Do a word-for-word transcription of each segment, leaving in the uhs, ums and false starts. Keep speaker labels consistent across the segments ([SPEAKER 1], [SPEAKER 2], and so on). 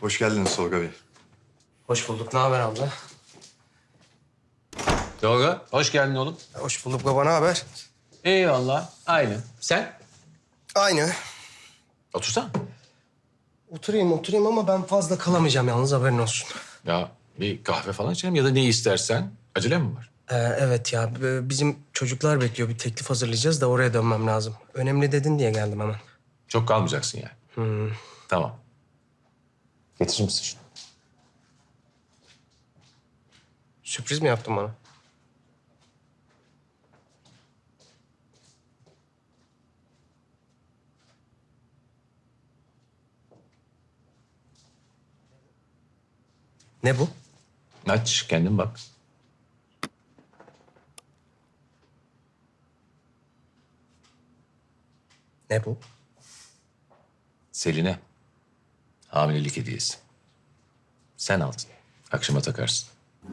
[SPEAKER 1] Hoş geldiniz Tolga Bey.
[SPEAKER 2] Hoş bulduk. Ne haber abla?
[SPEAKER 3] Tolga, hoş geldin oğlum.
[SPEAKER 2] Hoş bulduk baba. Ne haber?
[SPEAKER 3] Eyvallah, aynı. Sen?
[SPEAKER 2] Aynı.
[SPEAKER 3] Otursana.
[SPEAKER 2] Oturayım oturayım ama ben fazla kalamayacağım yalnız haberin olsun.
[SPEAKER 3] Ya bir kahve falan içelim ya da ne istersen. Acele mi var?
[SPEAKER 2] Ee, evet ya b- bizim çocuklar bekliyor. Bir teklif hazırlayacağız da oraya dönmem lazım. Önemli dedin diye geldim hemen.
[SPEAKER 3] Çok kalmayacaksın yani.
[SPEAKER 2] Hmm.
[SPEAKER 3] Tamam. Getirir misin şunu?
[SPEAKER 2] Sürpriz mi yaptın bana? Ne bu?
[SPEAKER 3] Aç, kendin bak.
[SPEAKER 2] Ne bu?
[SPEAKER 3] Selin'e hamilelik hediyesi. Sen aldın. Akşama takarsın.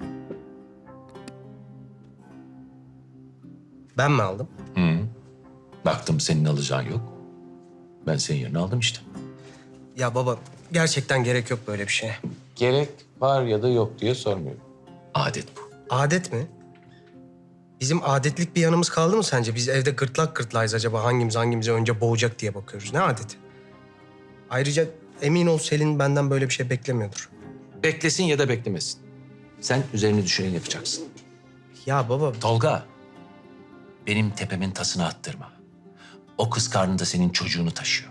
[SPEAKER 2] Ben mi aldım?
[SPEAKER 3] Hı. Baktım senin alacağın yok. Ben senin yerine aldım işte.
[SPEAKER 2] Ya baba gerçekten gerek yok böyle bir şeye.
[SPEAKER 3] Gerek var ya da yok diye sormuyorum. Adet bu.
[SPEAKER 2] Adet mi? Bizim adetlik bir yanımız kaldı mı sence? Biz evde gırtlak gırtlağız acaba hangimiz hangimizi önce boğacak diye bakıyoruz. Ne adeti? Ayrıca emin ol Selin benden böyle bir şey beklemiyordur.
[SPEAKER 3] Beklesin ya da beklemesin. Sen üzerine düşeni yapacaksın.
[SPEAKER 2] Ya baba
[SPEAKER 3] Tolga, benim tepemin tasını attırma. O kız karnında senin çocuğunu taşıyor.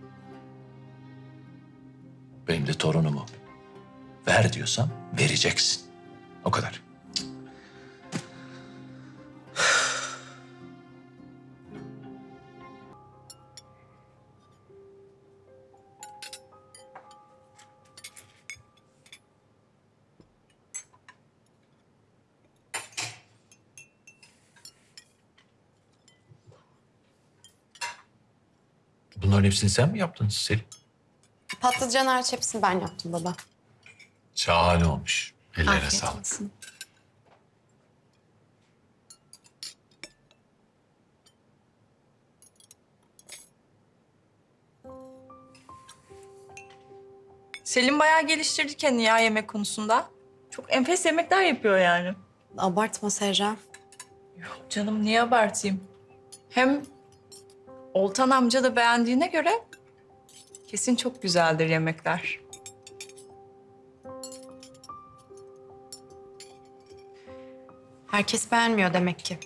[SPEAKER 3] Benim de torunumu. Ver diyorsam vereceksin. O kadar. Bunların hepsini sen mi yaptın Selin?
[SPEAKER 4] Patlıcan harç hepsini ben yaptım baba.
[SPEAKER 3] Şahane olmuş. Ellerine
[SPEAKER 4] Afiyet
[SPEAKER 3] sağlık.
[SPEAKER 4] olsun.
[SPEAKER 5] Selim bayağı geliştirdi kendini ya yemek konusunda. Çok enfes yemekler yapıyor yani.
[SPEAKER 4] Abartma Serra.
[SPEAKER 5] Canım niye abartayım? Hem Oltan amca da beğendiğine göre kesin çok güzeldir yemekler.
[SPEAKER 4] Herkes beğenmiyor demek ki.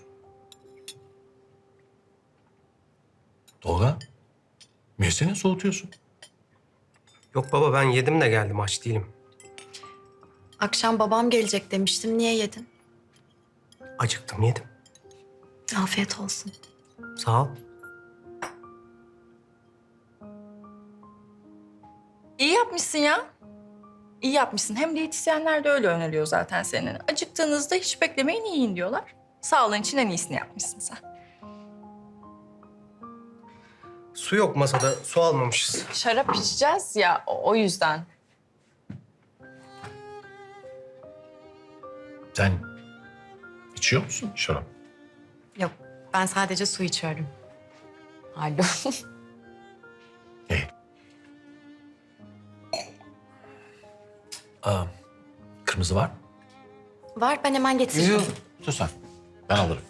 [SPEAKER 3] Tolga, yesene soğutuyorsun.
[SPEAKER 2] yok baba ben yedim de geldim aç değilim.
[SPEAKER 4] Akşam babam gelecek demiştim. Niye yedin?
[SPEAKER 2] Acıktım yedim.
[SPEAKER 4] Afiyet olsun.
[SPEAKER 2] Sağ ol.
[SPEAKER 5] İyi yapmışsın ya. İyi yapmışsın. Hem diyetisyenler de öyle öneriyor zaten senin. Acıktığınızda hiç beklemeyin yiyin diyorlar. Sağlığın için en iyisini yapmışsın sen.
[SPEAKER 2] Su yok masada su almamışız.
[SPEAKER 5] Şarap içeceğiz ya o o yüzden.
[SPEAKER 3] Sen içiyor musun şarap?
[SPEAKER 4] Yok ben sadece su içiyorum. Alo.
[SPEAKER 3] İyi. Aa, kırmızı var mı?
[SPEAKER 4] Var ben hemen getiririm.
[SPEAKER 3] Sus sen. Ben alırım.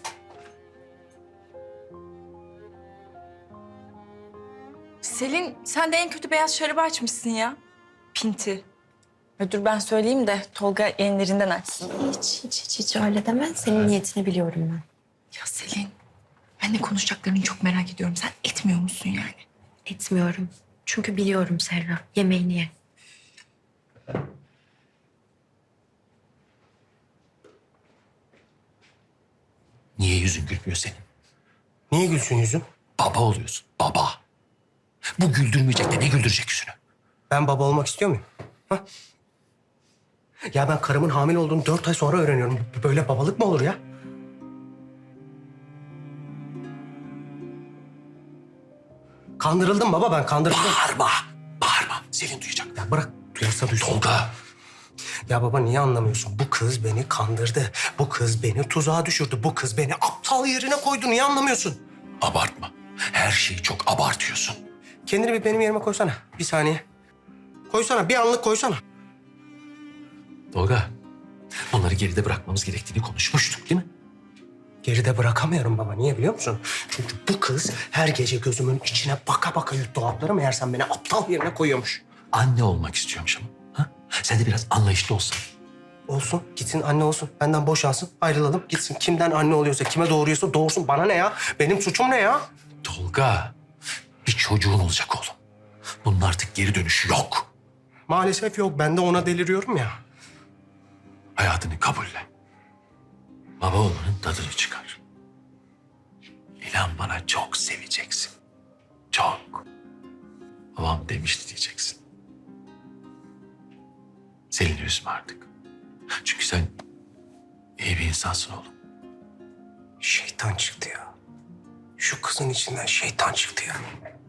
[SPEAKER 5] Selin sen de en kötü beyaz şarabı açmışsın ya. Pinti. Ya dur ben söyleyeyim de Tolga enlerinden açsın.
[SPEAKER 4] Hiç hiç hiç, hiç öyle deme. Senin niyetini biliyorum ben.
[SPEAKER 5] Ya Selin, ben de konuşacaklarını çok merak ediyorum. Sen etmiyor musun yani?
[SPEAKER 4] Etmiyorum. Çünkü biliyorum Serra. Yemeğini ye.
[SPEAKER 3] Niye yüzün gülmüyor senin?
[SPEAKER 2] Niye gülsün yüzüm?
[SPEAKER 3] Baba oluyorsun, baba. Bu güldürmeyecek de ne güldürecek yüzünü?
[SPEAKER 2] Ben baba olmak istiyor muyum? Ha? Ya ben karımın hamile olduğunu dört ay sonra öğreniyorum. Böyle babalık mı olur ya? Kandırıldım baba ben kandırıldım.
[SPEAKER 3] Bağırma, bağırma. Selin duyacak.
[SPEAKER 2] Ya bırak duyarsa duysun.
[SPEAKER 3] Tolga,
[SPEAKER 2] Ya baba niye anlamıyorsun? Bu kız beni kandırdı. Bu kız beni tuzağa düşürdü. Bu kız beni aptal yerine koydu. Niye anlamıyorsun?
[SPEAKER 3] abartma. Her şeyi çok abartıyorsun.
[SPEAKER 2] Kendini bir benim yerime koysana. Bir saniye. Koysana, bir anlık koysana.
[SPEAKER 3] Tolga, bunları geride bırakmamız gerektiğini konuşmuştuk değil mi?
[SPEAKER 2] Geride bırakamıyorum baba. Niye biliyor musun? Çünkü bu kız her gece gözümün içine baka baka yuttu hapları. Meğersem beni aptal yerine koyuyormuş.
[SPEAKER 3] Anne olmak istiyormuş ama. Ha? Sen de biraz anlayışlı olsan.
[SPEAKER 2] Olsun, gitsin anne olsun. Benden boşansın, ayrılalım. Gitsin kimden anne oluyorsa, kime doğuruyorsa doğursun. Bana ne ya? Benim suçum ne ya?
[SPEAKER 3] Tolga, bir çocuğun olacak oğlum. Bunun artık geri dönüşü yok.
[SPEAKER 2] Maalesef yok. Ben de ona deliriyorum ya.
[SPEAKER 3] Hayatını kabulle. Baba olmanın tadını çıkar. İnan bana çok seveceksin. Çok. Babam demişti diyeceksin. Selin'i üzme artık. Çünkü sen iyi bir insansın oğlum.
[SPEAKER 2] Şeytan çıktı ya. Şu kızın içinden şeytan çıktı ya.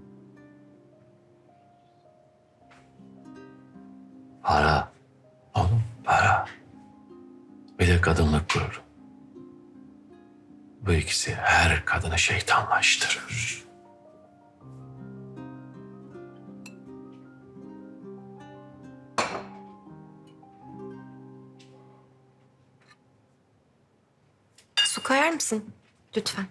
[SPEAKER 3] Para. Oğlum para. Bir de kadınlık gururu. Bu ikisi her kadını şeytanlaştırır.
[SPEAKER 4] Su koyar mısın? Lütfen.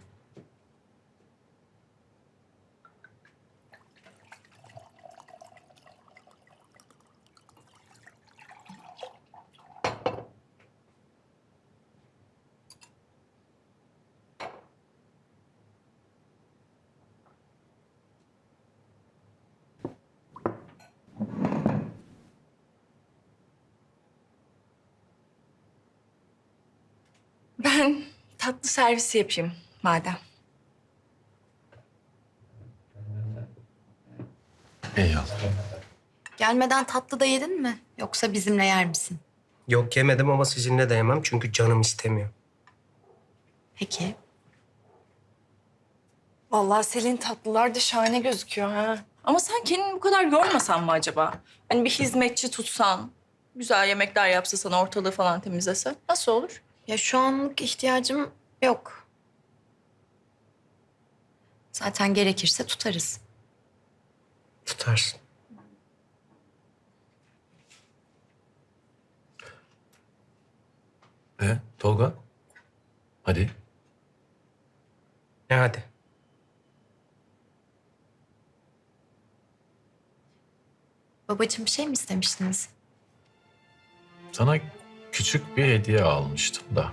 [SPEAKER 5] Ben tatlı servisi yapayım madem.
[SPEAKER 3] Eyvallah.
[SPEAKER 4] Gelmeden tatlı da yedin mi? Yoksa bizimle yer misin?
[SPEAKER 2] Yok yemedim ama sizinle de yemem çünkü canım istemiyor.
[SPEAKER 4] Peki.
[SPEAKER 5] Vallahi Selin tatlılar da şahane gözüküyor ha. Ama sen kendini bu kadar yormasan mı acaba? Hani bir hizmetçi tutsan, güzel yemekler yapsa sana, ortalığı falan temizlese nasıl olur?
[SPEAKER 4] Ya şu anlık ihtiyacım yok. Zaten gerekirse tutarız.
[SPEAKER 2] Tutarsın.
[SPEAKER 3] E, Tolga? Hadi.
[SPEAKER 2] Ne hadi?
[SPEAKER 4] Babacığım bir şey mi istemiştiniz?
[SPEAKER 3] Sana küçük bir hediye almıştım da.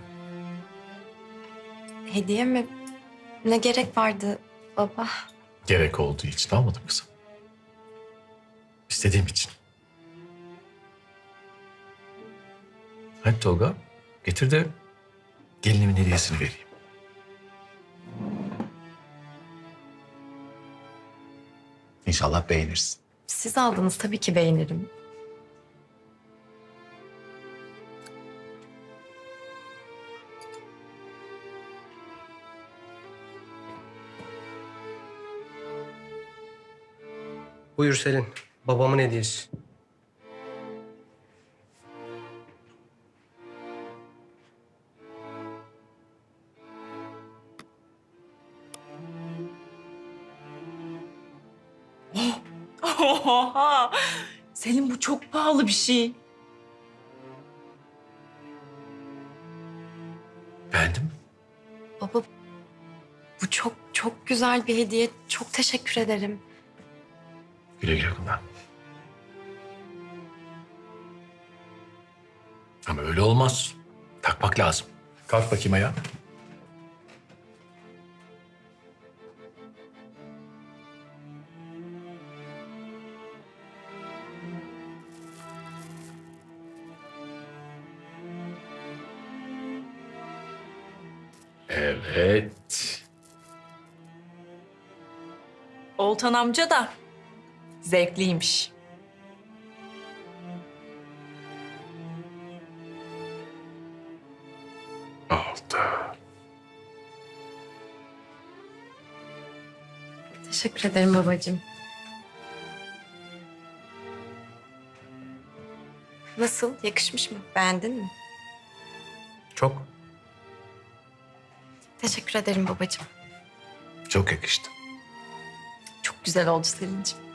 [SPEAKER 4] Hediye mi? Ne gerek vardı baba?
[SPEAKER 3] Gerek olduğu için almadım kızım. İstediğim için. Hadi Tolga, getir de gelinimin hediyesini vereyim. İnşallah beğenirsin.
[SPEAKER 4] Siz aldınız tabii ki beğenirim.
[SPEAKER 2] Buyur Selin. Babamın hediyesi.
[SPEAKER 5] Oha! Selin bu çok pahalı bir şey.
[SPEAKER 3] Beğendin mi?
[SPEAKER 4] Baba bu çok çok güzel bir hediye. Çok teşekkür ederim.
[SPEAKER 3] Güle güle kullan. Ama öyle olmaz. Takmak lazım. Kalk bakayım ayağa. Evet.
[SPEAKER 5] Oltan amca da zevkliymiş.
[SPEAKER 3] Oldu.
[SPEAKER 4] Teşekkür ederim babacığım. Nasıl? Yakışmış mı? Beğendin mi?
[SPEAKER 2] Çok.
[SPEAKER 4] Teşekkür ederim babacığım.
[SPEAKER 3] Çok yakıştı.
[SPEAKER 5] Çok güzel oldu Selin'ciğim.